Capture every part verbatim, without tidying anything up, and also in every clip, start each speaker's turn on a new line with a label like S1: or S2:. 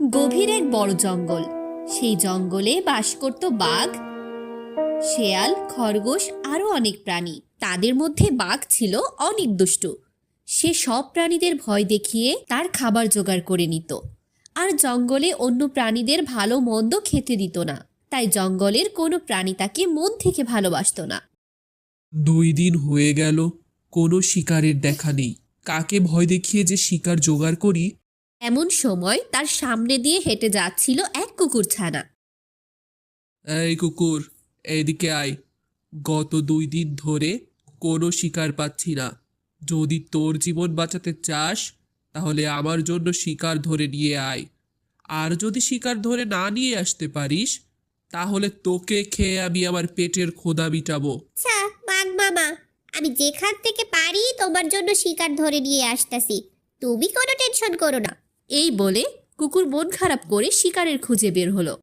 S1: গভীর এক বড় জঙ্গল। সেই জঙ্গলে বাস করত বাঘ, শেয়াল, খরগোশ আরো অনেক প্রাণী। তাদের মধ্যে বাঘ ছিল অনেক দুষ্টু। সে সব প্রাণীদের ভয় দেখিয়ে তার খাবার জোগাড় করে নিত, আর জঙ্গলে অন্য প্রাণীদের ভালো মন্দ খেতে দিত না। তাই জঙ্গলের কোনো প্রাণী তাকে মন থেকে ভালোবাসত না।
S2: দুই দিন হয়ে গেল, কোনো শিকারের দেখা নেই। কাকে ভয় দেখিয়ে যে শিকার জোগাড় করি।
S1: এমন সময় তার সামনে দিয়ে হেঁটে যাচ্ছিল এক কুকুর ছানা।
S2: এই কুকুর, এদিকে আয়। গত দুই দিন ধরে কোনো শিকার পাচ্ছি না। যদি তোর জীবন বাঁচাতে চাস তাহলে আমার জন্য শিকার ধরে নিয়ে আয়। আর যদি শিকার ধরে না নিয়ে আসতে পারিস তাহলে তোকে খেয়ে আমি আমার পেটের ক্ষুধা মিটাবো।
S3: আচ্ছা বাঘ মামা, আমি যেখান থেকে পারি তোমার জন্য শিকার ধরে নিয়ে আসতেছি, তুমি কোনো টেনশন করো না।
S1: এই বলে কুকুর মন খারাপ করে শিকারের খুঁজে বের হলো।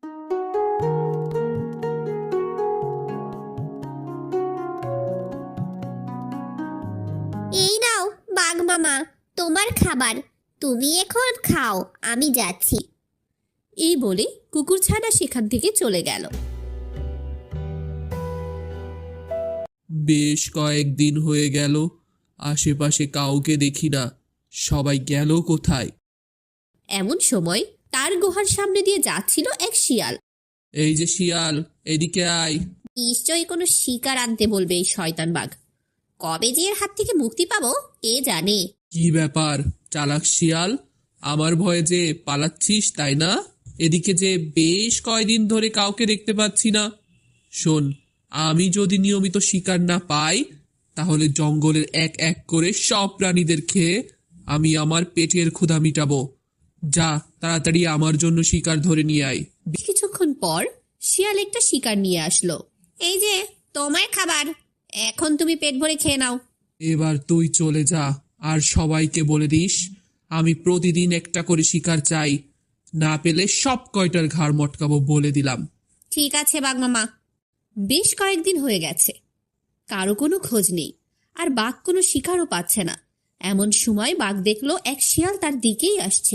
S3: এই নাও বাঘ মামা, তোমার খাবার, তুমি এখন খাও, আমি যাচ্ছি।
S1: এই বলে কুকুর ছানা সেখান থেকে চলে গেল।
S2: বেশ কয়েকদিন হয়ে গেল, আশেপাশে কাউকে দেখি না। সবাই গেল কোথায়?
S1: এমন সময় তার গুহার সামনে দিয়ে যাচ্ছিল এক শিয়াল।
S2: এই যে শিয়াল, এদিকে আয়।
S1: নিশ্চয়ই কোনো শিকার আনতে বলবে এই শয়তান বাঘ। কবে যে এর হাত থেকে মুক্তি পাবো কে জানে।
S2: কি ব্যাপার চালাক শিয়াল, আমার ভয়ে যে পালাচ্ছিস তাই না? এদিকে যে বেশ কয়দিন ধরে কাউকে দেখতে পাচ্ছি না। শোন, আমি যদি নিয়মিত শিকার না পাই তাহলে জঙ্গলের এক এক করে সব প্রাণীদের খেয়ে আমি আমার পেটের ক্ষুধা মিটাবো। যা, তাড়াতাড়ি আমার জন্য শিকার ধরে নিয়ে আয়।
S1: বেশ কিছুক্ষণ পর শিয়াল একটা শিকার নিয়ে আসলো। এই যে তোমার খাবার, এখন তুমি পেট ভরে খেয়ে নাও।
S2: এবার তুই চলে যা, আর সবাইকে বলে দিস আমি প্রতিদিন একটা করে শিকার চাই। না পেলে সব কয়টার ঘাড় মটকাবো বলে দিলাম।
S1: ঠিক আছে বাঘ মামা। বেশ কয়েকদিন হয়ে গেছে, কারো কোনো খোঁজ নেই, আর বাঘ কোনো শিকারও পাচ্ছে না। এমন সময় বাঘ দেখলো এক শিয়াল তার দিকেই আসছে।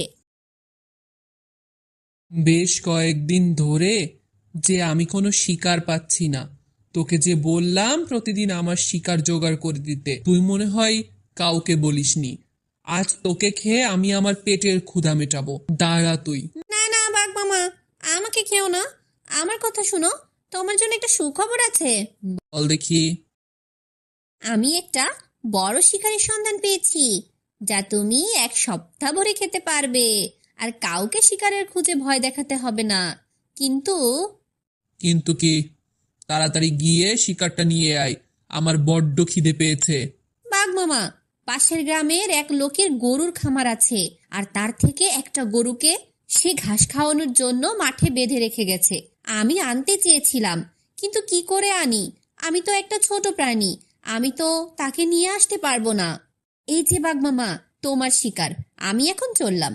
S2: বেশ কয়েকদিন ধরে যে আমি কোনো শিকার পাচ্ছি না। তোকে যে বললাম প্রতিদিন আমার শিকার জোগাড় করে দিতে, তুই মনে হয় কাউকে বলিসনি। আজ তোকে খেয়ে আমি আমার পেটের ক্ষুধা মেটাবো। দাঁড়া তুই।
S1: না না বাঘ মামা, আমাকে খেও না, আমার কথা শুনো, তোমার জন্য একটা সুখবর আছে।
S2: বল দেখি।
S1: আমি একটা বড় শিকারের সন্ধান পেয়েছি, যা তুমি এক সপ্তাহ ভরে খেতে পারবে, আর কাউকে শিকারের খুঁজে ভয় দেখাতে হবে না। কিন্তু
S2: কিন্তু কি? তাড়াতাড়ি গিয়ে শিকারটা নিয়ে আয়, আমার বড্ড খিদে পেয়েছে।
S1: বাঘ মামা, পাশের গ্রামের এক লোকের গরুর খামার আছে, আর তার থেকে একটা গরুকে সে ঘাস খাওয়ানোর জন্য মাঠে বেঁধে রেখে গেছে। আমি আনতে চেয়েছিলাম, কিন্তু কি করে আনি? আমি তো একটা ছোট প্রাণী, আমি তো তাকে নিয়ে আসতে পারবো না। এই যে বাঘ মামা, তোমার শিকার, আমি এখন চললাম।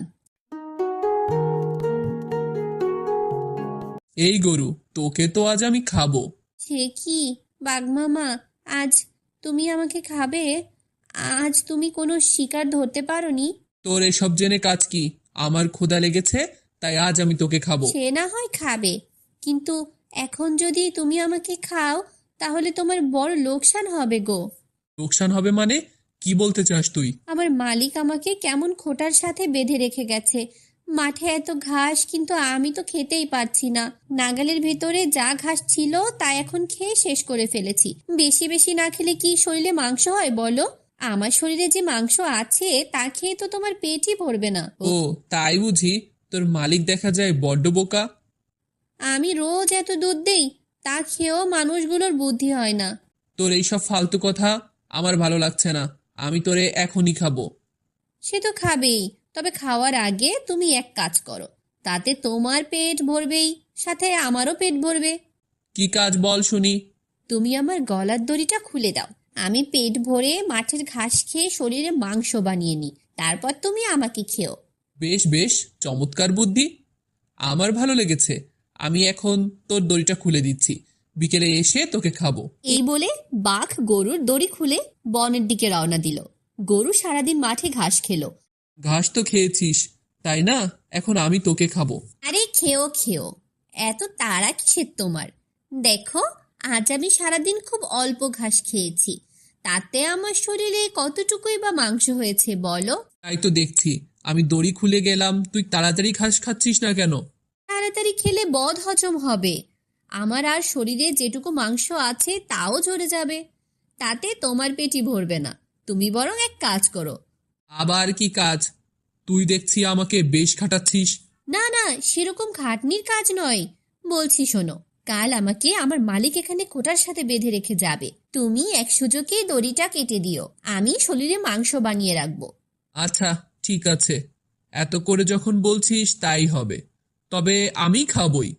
S2: এই গরু, তোকে তো আজ আমি খাবো।
S1: সে কি বাঘ মামা, আজ তুমি আমাকে খাবে? আজ তুমি কোনো শিকার ধরতে পারোনি।
S2: তোর এসব জেনে কাজ কি? আমার ক্ষুধা লেগেছে, তাই আজ আমি তোকে খাবো।
S1: সে না হয় খাবে, কিন্তু এখন যদি তুমি আমাকে খাও তাহলে তোমার বড় লোকসান হবে গো।
S2: লোকসান হবে মানে? কি বলতে চাস তুই?
S1: আমার মালিক আমাকে কেমন খোঁটার সাথে বেঁধে রেখে গেছে। মাঠে এত ঘাস, কিন্তু আমি তো খেতেই পারছি না। নাগালের ভেতরে যা ঘাস ছিল তা এখন খেয়ে শেষ করে ফেলেছি। বেশি বেশি না খেলে কি শরীরে মাংস হয় বলো? আমার শরীরে যে মাংস আছে তা খেয়ে তো তোমার পেটই ভরবে না।
S2: ও তাই বুঝি? তোর মালিক দেখা যায় বড্ড বোকা।
S1: আমি রোজ এত দুধ দেই, তা খেয়েও মানুষগুলোর বুদ্ধি হয় না।
S2: তোর এইসব ফালতু কথা আমার ভালো লাগছে না। আমি তোরে এখনই খাবো।
S1: সে তো খাবেই, তবে খাওয়ার আগে তুমি এক কাজ করো, তাতে তোমার পেট ভরবেই, সাথে আমারও পেট ভরবে।
S2: কি কাজ বল শুনি।
S1: তুমি আমার গলার দড়িটা খুলে দাও, আমি পেট ভরে মাঠের ঘাস খেয়ে শরীরে মাংস বানিয়ে নিই, তারপর তুমি আমাকে খেও।
S2: বেশ বেশ, চমৎকার বুদ্ধি, আমার ভালো লেগেছে। আমি এখন তোর দড়িটা খুলে দিচ্ছি, বিকেলে এসে তোকে খাবো।
S1: এই বলে বাঘ গরুর দড়ি খুলে বনের দিকে রওনা দিল। গরু সারাদিন মাঠে ঘাস খেলো।
S2: ঘাস তো খেয়েছিস, তাই না? এখন আমি তোকে খাবো।
S1: আরে খেও খেও, এত তাড়া কিসের তোমার? দেখো, আজ আমি সারাদিন খুব অল্প ঘাস খেয়েছি, তাতে আমার শরীরে কতটুকুই বা মাংস হয়েছে বলো?
S2: তাই তো দেখছি, আমি দড়ি খুলে গেলাম, তুই তাড়াতাড়ি ঘাস খাচ্ছিস না কেন?
S1: তাড়াতাড়ি খেলে বদ হজম হবে, আমার আর শরীরে যেটুকু মাংস আছে তাও ঝরে যাবে, তাতে তোমার পেটই ভরবে না। তুমি বরং এক কাজ করো।
S2: আবার কি কাজ? তুই দেখছি আমাকে বেশ খাটাচ্ছিস।
S1: না না, সেরকম খাটনির কাজ নয়, বলছি শোনো, কাল আমাকে আমার মালিক এখানে খোটার সাথে বেঁধে রেখে যাবে, তুমি এক সুযোগে দড়িটা কেটে দিও, আমি শরীরে মাংস বানিয়ে রাখবো।
S2: আচ্ছা ঠিক আছে, এত করে যখন বলছিস তাই হবে, তবে আমি খাবই।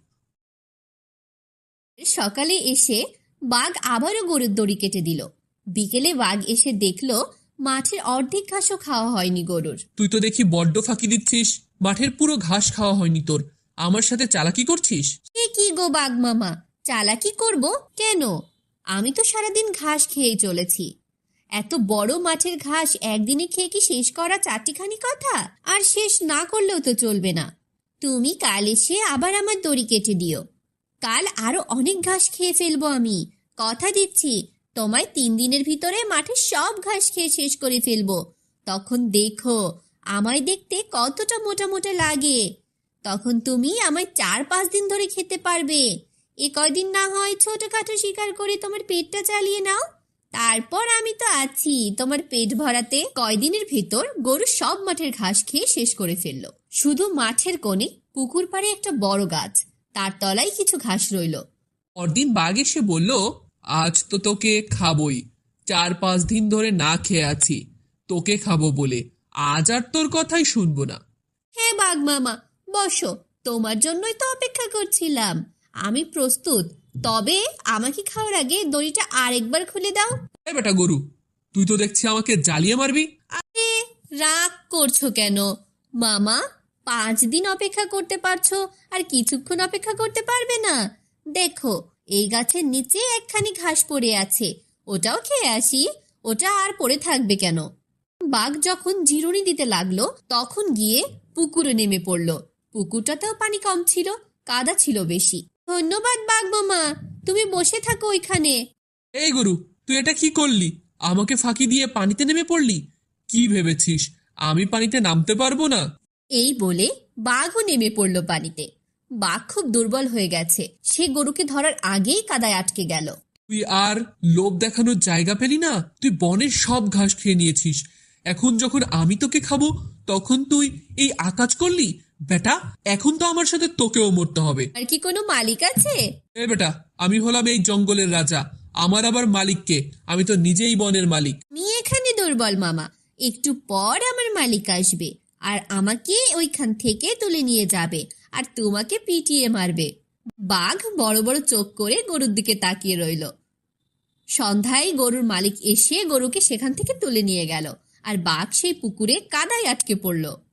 S1: সকালে এসে বাঘ আবারও গরুর দড়ি কেটে দিল। বিকেলে বাঘ এসে দেখলো মাঠের অর্ধেক ঘাসও খাওয়া হয়নি গরুর।
S2: তুই তো দেখি বড্ড ফাঁকি দিচ্ছিস, মাঠের পুরো ঘাস খাওয়া হয়নি তোর, আমার সাথে চালাকি করছিস।
S1: এ কি গো বাঘ মামা, চালাকি করব কেন? আমি তো সারাদিন ঘাস খেয়েই চলেছি। এত বড় মাঠের ঘাস একদিনে খেয়ে কি শেষ করা চারটিখানি কথা? আর শেষ না করলেও তো চলবে না। তুমি কাল এসে আবার আমার দড়ি কেটে দিও, কাল আরো অনেক ঘাস খেয়ে ফেলবো আমি, কথা দিচ্ছি। তোমায় তিন দিনের ভিতরে মাঠে সব ঘাস খেয়ে শেষ করে ফেলবো। তখন দেখো আমায় দেখতে কতটা মোটা মোটা লাগে, তখন তুমি আমায় চার পাঁচ দিন ধরে খেতে পারবে। এ কয়দিন না হয় ছোটখাটো শিকার করে তোমার পেটটা চালিয়ে নাও, তারপর আমি তো আছি তোমার পেট ভরাতে। কয়দিনের ভেতর গরু সব মাঠের ঘাস খেয়ে শেষ করে ফেললো। শুধু মাঠের কোণে পুকুর পাড়ে একটা বড় গাছ, তার তলায় কিছু ঘাস রইল।
S2: পরদিন বাঘ এসে বলল, আজ তো তোকে খাবই, চার পাঁচ দিন ধরে না খেয়ে আছি, তোকে খাবো বলে আজ আর তোর কথাই শুনবো না।
S1: হ্যাঁ বাঘ মামা, বসো, তোমার জন্যই তো অপেক্ষা করছিলাম, আমি প্রস্তুত। তবে আমাকে খাওয়ার আগে দড়িটা আরেকবার খুলে দাও।
S2: এ বেটা গরু, তুই তো দেখছি আমাকে জ্বালিয়ে মারবি।
S1: আরে রাগ করছো কেন মামা? পাঁচ দিন অপেক্ষা করতে পারছো, আর কিছুক্ষণ অপেক্ষা করতে পারবে না? দেখো, এই গাছের নিচে একখানি ঘাস পড়ে আছে, ওটাও খেয়ে আসি, ওটা আর পড়ে থাকবে কেন? বাঘ যখন জিরুনি দিতে লাগলো তখন গিয়ে পুকুরে নেমে পড়লো। পুকুরটাতেও পানি কম ছিল, কাদা ছিল বেশি। ধন্যবাদ বাঘ মামা, তুমি বসে থাকো ওইখানে।
S2: এই গরু, তুই এটা কি করলি? আমাকে ফাঁকি দিয়ে পানিতে নেমে পড়লি? কি ভেবেছিস আমি পানিতে নামতে পারবো না?
S1: এই বলে বাঘও নেমে পড়ল পানিতে। বাঘ খুব দুর্বল হয়ে গেছে, সে গরুকে ধরার আগেই কাদায় আটকে গেল।
S2: তুই আর লোভ দেখানোর জায়গা পেলি না? তুই বনের সব ঘাস খেয়ে নিয়েছিস, এখন যখন আমি তোকে খাবো তখন তুই এই আকাজ করলি? বেটা, এখন তো আমার সাথে তোকেও মরতে হবে।
S1: আর কি কোনো মালিক আছে?
S2: এ বেটা, আমি হলাম এই জঙ্গলের রাজা, আমার আবার মালিককে? আমি তো নিজেই বনের মালিক।
S1: তুমি এখানে দুর্বল মামা, একটু পর আমার মালিক আসবে আর আমাকে ওইখান থেকে তুলে নিয়ে যাবে আর তোমাকে পিটিয়ে মারবে। বাঘ বড় বড় চোখ করে গরুর দিকে তাকিয়ে রইল। সন্ধ্যায় গরুর মালিক এসে গরুকে সেখান থেকে তুলে নিয়ে গেল, আর বাঘ সেই পুকুরে কাদায় আটকে পড়ল।